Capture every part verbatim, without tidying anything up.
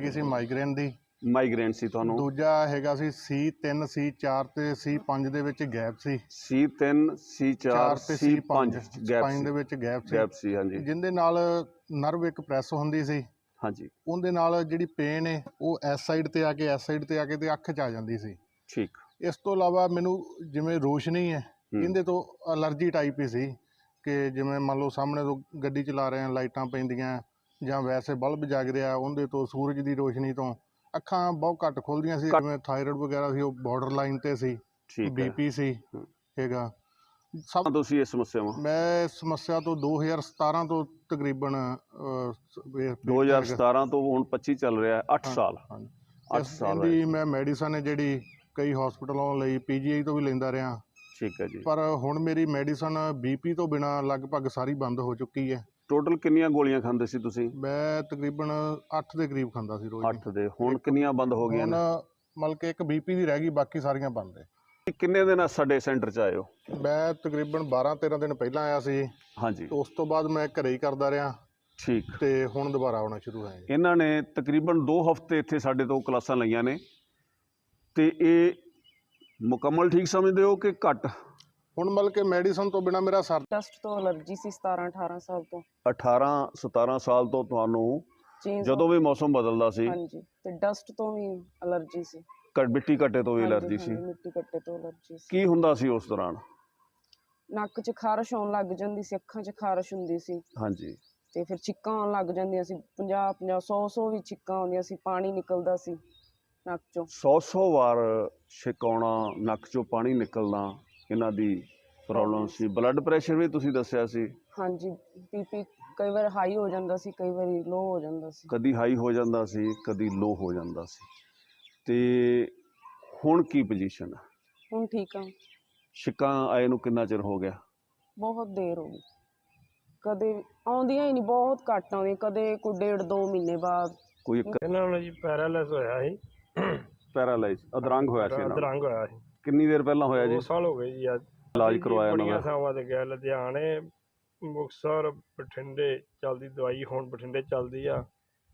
ਸੀ migraine ਦੀ migraine ਸੀ ਤੁਹਾਨੂੰ। ਦੂਜਾ ਹੈਗਾ ਸੀ ਸੀ ਤਿੰਨ ਸੀ ਚਾਰ ਤੇ ਸੀ ਪੰਜ ਦੇ ਵਿੱਚ ਗੈਪ ਸੀ। ਸੀ ਤਿੰਨ ਸੀ ਚਾਰ ਤੇ ਸੀ ਪੰਜ ਗੈਪ ਸਪਾਈਨ ਸੀ ਦੇ ਵਿੱਚ ਗੈਪ ਸੀ ਗੈਪ ਸੀ ਹਾਂਜੀ। ਜਿਹਦੇ ਨਾਲ ਨਰਵ ਇੱਕ ਪ੍ਰੈਸ ਹੁੰਦੀ ਸੀ ਹਾਂਜੀ ਉਹਦੇ ਨਾਲ ਜਿਹੜੀ ਪੇਨ ਹੈ ਉਹ ਇਸ ਸਾਈਡ ਤੇ ਆ ਕੇ ਇਸ ਸਾਈਡ ਤੇ ਆ ਕੇ ਤੇ ਅੱਖ 'ਚ ਆ ਜਾਂਦੀ ਸੀ। ਠੀਕ। ਇਸ ਤੋਂ ਇਲਾਵਾ ਮੈਨੂੰ ਜਿਵੇਂ ਰੋਸ਼ਨੀ ਹੈ ਇਹਦੇ ਤੋਂ ਅਲਰਜੀ ਟਾਈਪ ਹੀ ਸੀ ਕਿ ਜਿਵੇਂ ਮੰਨ ਲਓ ਸਾਹਮਣੇ ਤੋਂ ਗੱਡੀ ਚਲਾ ਰਹੇ ਹਾਂ ਲਾਈਟਾਂ ਪੈਂਦੀਆਂ ਜਾਂ ਵੈਸੇ ਬਲਬ ਜਗ ਰਿਹਾ ਉਹਦੇ ਤੋਂ ਸੂਰਜ ਦੀ ਰੋਸ਼ਨੀ ਤੋਂ ਅੱਖਾਂ ਬਹੁਤ ਘੱਟ ਖੁੱਲ੍ਹਦੀਆਂ ਸੀ। ਜਿਵੇਂ ਥਾਇਰਾਇਡ ਵਗੈਰਾ ਸੀ ਉਹ ਬਾਰਡਰ ਲਾਈਨ ਤੇ ਸੀ। ਬੀਪੀ ਸੀ ਹੈਗਾ ਸਭ। ਤੁਸੀਂ ਇਹ ਸਮੱਸਿਆਵਾਂ ਮੈਂ ਇਸ ਸਮੱਸਿਆ ਤੋਂ ਦੋ ਹਜ਼ਾਰ ਸਤਾਰਾਂ ਤੋਂ ਤਕਰੀਬਨ ਦੋ ਹਜ਼ਾਰ ਸਤਾਰਾਂ ਤੋਂ ਹੁਣ ਪੱਚੀ ਚੱਲ ਰਿਹਾ ਅੱਠ ਸਾਲ। ਅੱਠ ਸਾਲ ਦੀ ਮੈਂ ਮੈਡੀਸਨ ਹੈ ਜਿਹੜੀ ਕਈ ਹਸਪਤਾਲਾਂ ਲਈ ਪੀਜੀਆਈ ਤੋਂ ਵੀ ਲੈਂਦਾ ਰਿਹਾ। ਠੀਕ ਹੈ ਜੀ। ਪਰ ਹੁਣ ਮੇਰੀ ਮੈਡੀਸਨ ਬੀਪੀ ਤੋਂ ਬਿਨਾਂ ਲਗਭਗ ਸਾਰੀ ਬੰਦ ਹੋ ਚੁੱਕੀ ਹੈ। ਟੋਟਲ ਕਿੰਨੀਆਂ ਗੋਲੀਆਂ ਖਾਂਦੇ ਸੀ ਤੁਸੀਂ? ਮੈਂ ਤਕਰੀਬਨ ਅੱਠ ਦੇ ਕਰੀਬ ਖਾਂਦਾ ਸੀ ਰੋਜ਼। ਅੱਠ ਦੇ ਹੁਣ ਕਿੰਨੀਆਂ ਬੰਦ ਹੋ ਗਈਆਂ ਨੇ? ਹੁਣ ਮਤਲਬ ਕਿ ਇੱਕ ਬੀਪੀ ਦੀ ਰਹਿ ਗਈ ਬਾਕੀ ਸਾਰੀਆਂ ਬੰਦ ਹੈ। ਕਿੰਨੇ ਦਿਨ ਸਾਡੇ ਸੈਂਟਰ 'ਚ ਆਏ ਹੋ? ਮੈਂ ਤਕਰੀਬਨ ਬਾਰਾਂ ਤੇਰਾਂ ਦਿਨ ਪਹਿਲਾਂ ਆਇਆ ਸੀ। ਹਾਂਜੀ। ਉਸ ਤੋਂ ਬਾਅਦ ਮੈਂ ਘਰੇ ਹੀ ਕਰਦਾ ਰਿਹਾ। ਠੀਕ। ਤੇ ਹੁਣ ਦੁਬਾਰਾ ਆਉਣਾ ਸ਼ੁਰੂ ਹੋਇਆ। ਇਹਨਾਂ ਨੇ ਤਕਰੀਬਨ ਦੋ ਹਫ਼ਤੇ ਇੱਥੇ ਸਾਡੇ ਤੋਂ ਕਲਾਸਾਂ ਲਈਆਂ ਨੇ ਤੇ ਇਹ ਮੁਕੰਮਲ ਠੀਕ ਸਮਝਦੇ ਹੋ ਕਿ ਘੱਟ? ਹੁਣ ਮਤਲਬ ਕਿ ਮੈਡੀਸਨ ਤੋਂ ਬਿਨਾਂ ਮੇਰਾ ਸਰ ਡਸਟ ਤੋਂ ਅਲਰਜੀ ਸੀ ਸਤਾਰਾਂ ਅਠਾਰਾਂ ਸਾਲ ਤੋਂ। ਅਠਾਰਾਂ ਸਤਾਰਾਂ ਸਾਲ ਤੋਂ ਤੁਹਾਨੂੰ ਜਦੋਂ ਵੀ ਮੌਸਮ ਬਦਲਦਾ ਸੀ? ਹਾਂਜੀ। ਤੇ ਡਸਟ ਤੋਂ ਵੀ ਅਲਰਜੀ ਸੀ। ਮਿੱਟੀ ਘੱਟੇ ਤੋਂ ਵੀ ਅਲਰਜੀ ਸੀ? ਮਿੱਟੀ ਘੱਟੇ ਤੋਂ ਅਲਰਜੀ ਸੀ। ਕੀ ਹੁੰਦਾ ਸੀ ਉਸ ਦੌਰਾਨ? ਨੱਕ 'ਚ ਖਾਰਸ਼ ਆਉਣ ਲੱਗ ਜਾਂਦੀ ਸੀ, ਅੱਖਾਂ 'ਚ ਖਾਰਸ਼ ਹੁੰਦੀ ਸੀ। ਹਾਂਜੀ। ਤੇ ਫਿਰ ਛਿੱਕਾਂ ਆਉਣ ਲੱਗ ਜਾਂਦੀਆਂ ਸੀ, ਪੰਜਾਹ ਪੰਜਾਹ ਸੌ ਸੌ ਵੀ ਛਿੱਕਾਂ ਆਉਂਦੀਆਂ ਸੀ, ਪਾਣੀ ਨਿਕਲਦਾ ਸੀ ਨੱਕ 'ਚੋਂ। ਸੌ ਸੌ ਵਾਰ ਛਿੱਕ ਆਉਣਾ, ਨੱਕ 'ਚੋਂ ਪਾਣੀ ਨਿਕਲਣਾ ਇਹਨਾਂ ਦੀ ਪ੍ਰੋਬਲਮ ਸੀ। ਬਲੱਡ ਪ੍ਰੈਸ਼ਰ ਵੀ ਤੁਸੀਂ ਦੱਸਿਆ ਸੀ? ਹਾਂਜੀ। ਬੀਪੀ ਕਈ ਵਾਰ ਹਾਈ ਹੋ ਜਾਂਦਾ ਸੀ, ਕਈ ਵਾਰੀ ਲੋ ਹੋ ਜਾਂਦਾ ਸੀ। ਕਦੀ ਹਾਈ ਹੋ ਜਾਂਦਾ ਸੀ, ਕਦੀ ਲੋ ਹੋ ਜਾਂਦਾ ਸੀ। ਤੇ ਹੁਣ ਕੀ ਪੋਜੀਸ਼ਨ ਹੈ? ਹੁਣ ਠੀਕ ਆ। ਛਿੱਕਾਂ ਆਏ ਨੂੰ ਕਿੰਨਾ ਚਿਰ ਹੋ ਗਿਆ? ਬਹੁਤ ਦੇਰ ਹੋ ਗਈ। ਕਦੇ ਆਉਂਦੀਆਂ ਹੀ ਨਹੀਂ, ਬਹੁਤ ਘੱਟ ਆਉਂਦੀਆਂ, ਕਦੇ ਕੋਈ ਡੇਢ ਦੋ ਮਹੀਨੇ ਬਾਅਦ। ਕੋਈ ਇਹਨਾਂ ਨੂੰ ਜੀ ਪੈਰਾਲਾਈਜ਼ ਹੋਇਆ ਸੀ। ਪੈਰਾਲਾਈਜ਼ ਅਧਰੰਗ ਹੋਇਆ ਸੀ? ਅਧਰੰਗ ਹੋਇਆ ਸੀ। ਕਿੰਨੀ ਦੇਰ ਪਹਿਲਾਂ ਹੋਇਆ ਜੀ? ਦੋ ਸਾਲ ਹੋ ਗਏ ਜੀ। ਅੱਜ ਇਲਾਜ ਕਰਵਾਇਆ ਇਹਨਾਂ ਦਾ? ਬੜੀਆਂ ਥਾਵਾਂ ਤੇ ਗਿਆ, ਲੁਧਿਆਣੇ, ਮੁਕਤਸਰ, ਬਠਿੰਡੇ ਚੱਲਦੀ ਦਵਾਈ ਹੁਣ ਬਠਿੰਡੇ ਚੱਲਦੀ ਆ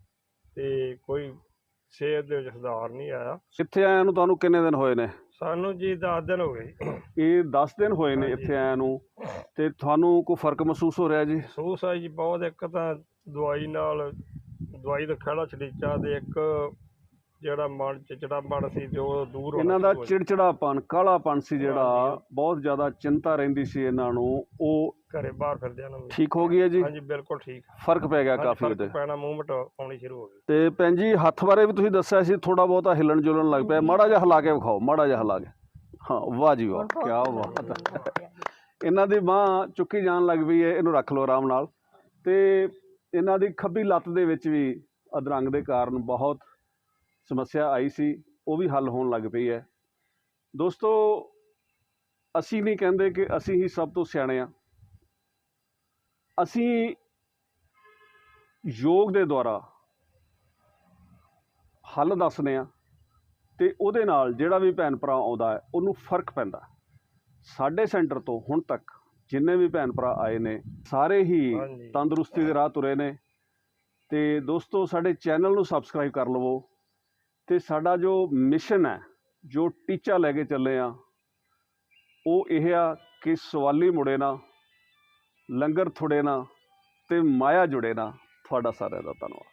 ਤੇ ਕੋਈ ਸਿਹਤ ਦੇ ਵਿੱਚ ਸੁਧਾਰ ਨਹੀਂ ਆਇਆ। ਇੱਥੇ ਆਇਆ ਨੂੰ ਤੁਹਾਨੂੰ ਕਿੰਨੇ ਦਿਨ ਹੋਏ ਨੇ? ਸਾਨੂੰ ਜੀ ਦਸ ਦਿਨ ਹੋ ਗਏ। ਇਹ ਦਸ ਦਿਨ ਹੋਏ ਨੇ ਇੱਥੇ ਆਇਆ ਨੂੰ ਤੇ ਤੁਹਾਨੂੰ ਕੋਈ ਫਰਕ ਮਹਿਸੂਸ ਹੋ ਰਿਹਾ ਜੀ? ਮਹਿਸੂਸ ਆ ਜੀ ਬਹੁਤ। ਇੱਕ ਤਾਂ ਦਵਾਈ ਨਾਲ ਦਵਾਈ ਦਾ ਖੜਾ ਛੜੀਚਾ ਤੇ ਇੱਕ ਜਿਹੜਾ ਮਨ ਚਿੜਚਿੜਾਪਣ ਸੀ ਜੋ ਦੂਰ ਹੋਣਾ। ਇਹਨਾਂ ਦਾ ਚਿੜਚਿੜਾਪਣ, ਕਾਲਾਪਣ ਸੀ ਜਿਹੜਾ, ਬਹੁਤ ਜ਼ਿਆਦਾ ਚਿੰਤਾ ਰਹਿੰਦੀ ਸੀ ਇਹਨਾਂ ਨੂੰ, ਉਹ ਘਰੇ ਬਾਹਰ ਫਿਰਦਿਆਂ ਨੂੰ ਠੀਕ ਹੋ ਗਈ ਹੈ ਜੀ? ਹਾਂਜੀ ਬਿਲਕੁਲ ਠੀਕ। ਫਰਕ ਪੈ ਗਿਆ ਕਾਫੀ ਉਹਦੇ? ਪੈਣਾ, ਮੂਵਮੈਂਟ ਆਉਣੀ ਸ਼ੁਰੂ ਹੋ ਗਈ। ਤੇ ਭੈਣ ਜੀ ਹੱਥ ਬਾਰੇ ਵੀ ਤੁਸੀਂ ਦੱਸਿਆ ਸੀ ਥੋੜਾ ਬਹੁਤਾ ਹਿੱਲਣ ਜੁਲਣ ਲੱਗ ਪਿਆ, ਮਾੜਾ ਜਿਹਾ ਹਿਲਾ ਕੇ ਵਿਖਾਓ, ਮਾੜਾ ਜਿਹਾ ਹਿਲਾ ਕੇ। ਹਾਂ ਵਾਹ ਜੀ ਵਾਹ, ਕਿਆ ਬਾਤ ਹੈ। ਇਹਨਾਂ ਦੀ ਬਾਂਹ ਚੁੱਕੀ ਜਾਣ ਲੱਗ ਪਈ ਹੈ, ਇਹਨੂੰ ਰੱਖ ਲਓ ਆਰਾਮ ਨਾਲ। ਤੇ ਇਹਨਾਂ ਦੀ ਖੱਬੀ ਲੱਤ ਦੇ ਵਿੱਚ ਵੀ ਅਧਰੰਗ ਦੇ ਕਾਰਨ ਬਹੁਤ ਸਮੱਸਿਆ ਆਈ ਸੀ, ਉਹ ਵੀ ਹੱਲ ਹੋਣ ਲੱਗ ਪਈ ਹੈ। ਦੋਸਤੋ ਅਸੀਂ ਨਹੀਂ ਕਹਿੰਦੇ ਕਿ ਅਸੀਂ ਹੀ ਸਭ ਤੋਂ ਸਿਆਣੇ ਹਾਂ। ਅਸੀਂ ਯੋਗ ਦੇ ਦੁਆਰਾ ਹੱਲ ਦੱਸਦੇ ਹਾਂ ਤੇ ਉਹਦੇ ਨਾਲ ਜਿਹੜਾ ਵੀ ਭੈਣ ਭਰਾ ਆਉਂਦਾ ਹੈ ਉਹਨੂੰ ਫਰਕ ਪੈਂਦਾ। ਸਾਡੇ ਸੈਂਟਰ ਤੋਂ ਹੁਣ ਤੱਕ ਜਿੰਨੇ ਵੀ ਭੈਣ ਭਰਾ ਆਏ ਨੇ ਸਾਰੇ ਹੀ ਤੰਦਰੁਸਤੀ ਦੇ ਰਾਹ ਤੁਰੇ ਨੇ। ਤੇ ਦੋਸਤੋ ਸਾਡੇ ਚੈਨਲ ਨੂੰ ਸਬਸਕ੍ਰਾਈਬ ਕਰ ਲਵੋ ਤੇ ਸਾਡਾ ਜੋ ਮਿਸ਼ਨ ਹੈ, ਜੋ ਟੀਚਾ ਲੈ ਕੇ ਚੱਲੇ ਆ, ਉਹ ਇਹ ਆ ਕਿ ਸਵਾਲੀ ਮੁੜੇ ਨਾ, ਲੰਗਰ ਥੁੜੇ ਨਾ ਤੇ ਮਾਇਆ ਜੁੜੇ ਨਾ। ਤੁਹਾਡਾ ਸਾਰਿਆਂ ਦਾ ਧੰਨਵਾਦ।